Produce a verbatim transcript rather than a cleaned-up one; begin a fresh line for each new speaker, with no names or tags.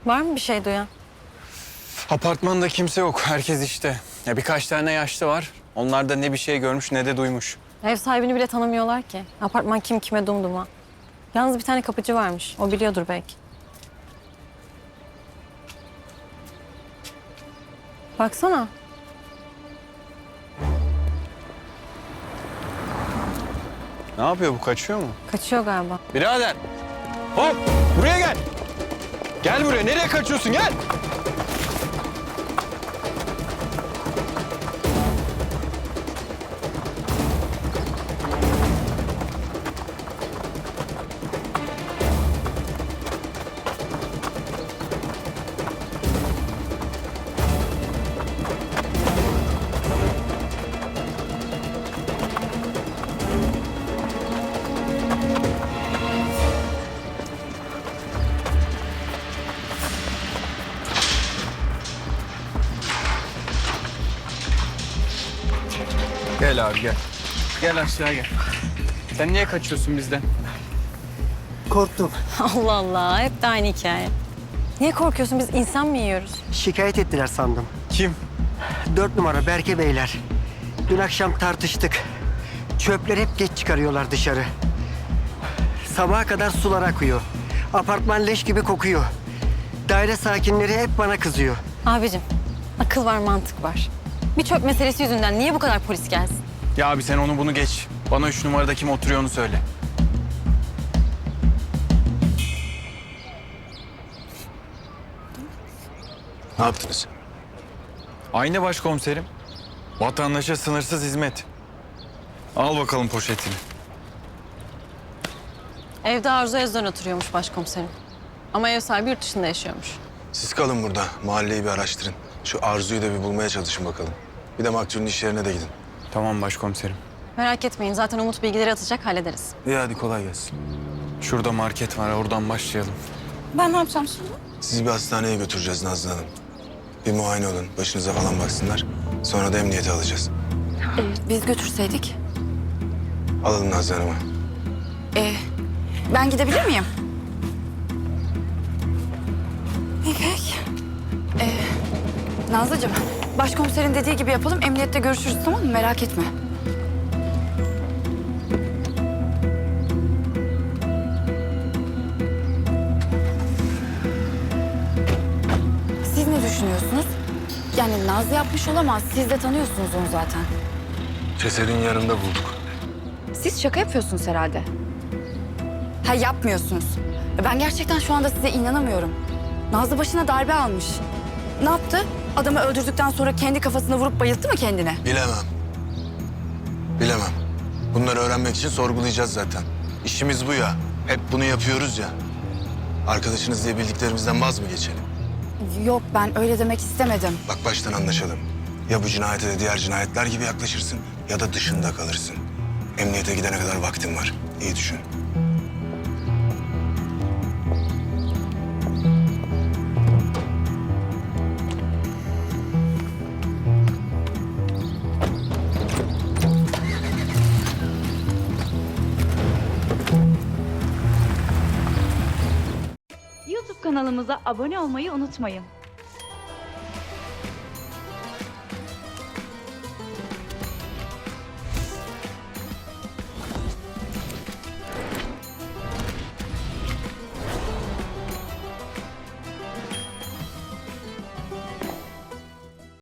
Var mı bir şey duyan?
Apartmanda kimse yok. Herkes işte. Ya birkaç tane yaşlı var. Onlar da ne bir şey görmüş ne de duymuş.
Ev sahibini bile tanımıyorlar ki. Apartman kim kime dumduma. Yalnız bir tane kapıcı varmış. O biliyordur belki. Baksana.
Ne yapıyor bu? Kaçıyor mu?
Kaçıyor galiba.
Birader! Hop! Buraya gel! Gel buraya. Nereye kaçıyorsun? Gel! Gel abi gel. Gel aşağı gel. Sen niye kaçıyorsun bizden?
Korktum.
Allah Allah. Hep de aynı hikaye. Niye korkuyorsun? Biz insan mı yiyoruz?
Şikayet ettiler sandım.
Kim?
Dört numara Berke Beyler. Dün akşam tartıştık. Çöpleri hep geç çıkarıyorlar dışarı. Sabaha kadar sular akıyor. Apartman leş gibi kokuyor. Daire sakinleri hep bana kızıyor.
Abicim, akıl var, mantık var. Bir çöp meselesi yüzünden niye bu kadar polis gelsin?
Ya abi sen onu bunu geç. Bana üç numarada kim oturuyor onu söyle.
Ne yaptınız?
Aynı başkomiserim. Vatandaşa sınırsız hizmet. Al bakalım poşetini.
Evde Arzu Özden oturuyormuş başkomiserim. Ama ev sahibi yurt dışında yaşıyormuş.
Siz kalın burada. Mahalleyi bir araştırın. Şu Arzu'yu da bir bulmaya çalışın bakalım. Bir de maktulün iş yerine de gidin.
Tamam başkomiserim.
Merak etmeyin, zaten Umut bilgileri atacak, hallederiz.
İyi hadi kolay gelsin.
Şurada market var, oradan başlayalım.
Ben ne yapacağım şimdi?
Sizi bir hastaneye götüreceğiz Nazlı Hanım. Bir muayene olun. Başınıza falan baksınlar. Sonra da emniyete alacağız.
Biz götürseydik.
Alalım Nazlı Hanım'ı.
Ee, ben gidebilir miyim? İpek. Ee, Nazlıcığım, başkomiserin dediği gibi yapalım. Emniyette görüşürüz, tamam mı? Merak etme. Siz ne düşünüyorsunuz? Yani Nazlı yapmış olamaz. Siz de tanıyorsunuz onu zaten.
Cesedin yanında bulduk.
Siz şaka yapıyorsunuz herhalde. Ha, yapmıyorsunuz. Ben gerçekten şu anda size inanamıyorum. Nazlı başına darbe almış. Ne yaptı? Adamı öldürdükten sonra kendi kafasına vurup bayılttı mı kendine?
Bilemem. Bilemem. Bunları öğrenmek için sorgulayacağız zaten. İşimiz bu ya. Hep bunu yapıyoruz ya. Arkadaşınız diye bildiklerimizden vaz mı geçelim?
Yok, ben öyle demek istemedim.
Bak baştan anlaşalım. Ya bu cinayete de diğer cinayetler gibi yaklaşırsın ya da dışında kalırsın. Emniyete gidene kadar vaktin var. İyi düşün.
YouTube kanalımıza abone olmayı unutmayın.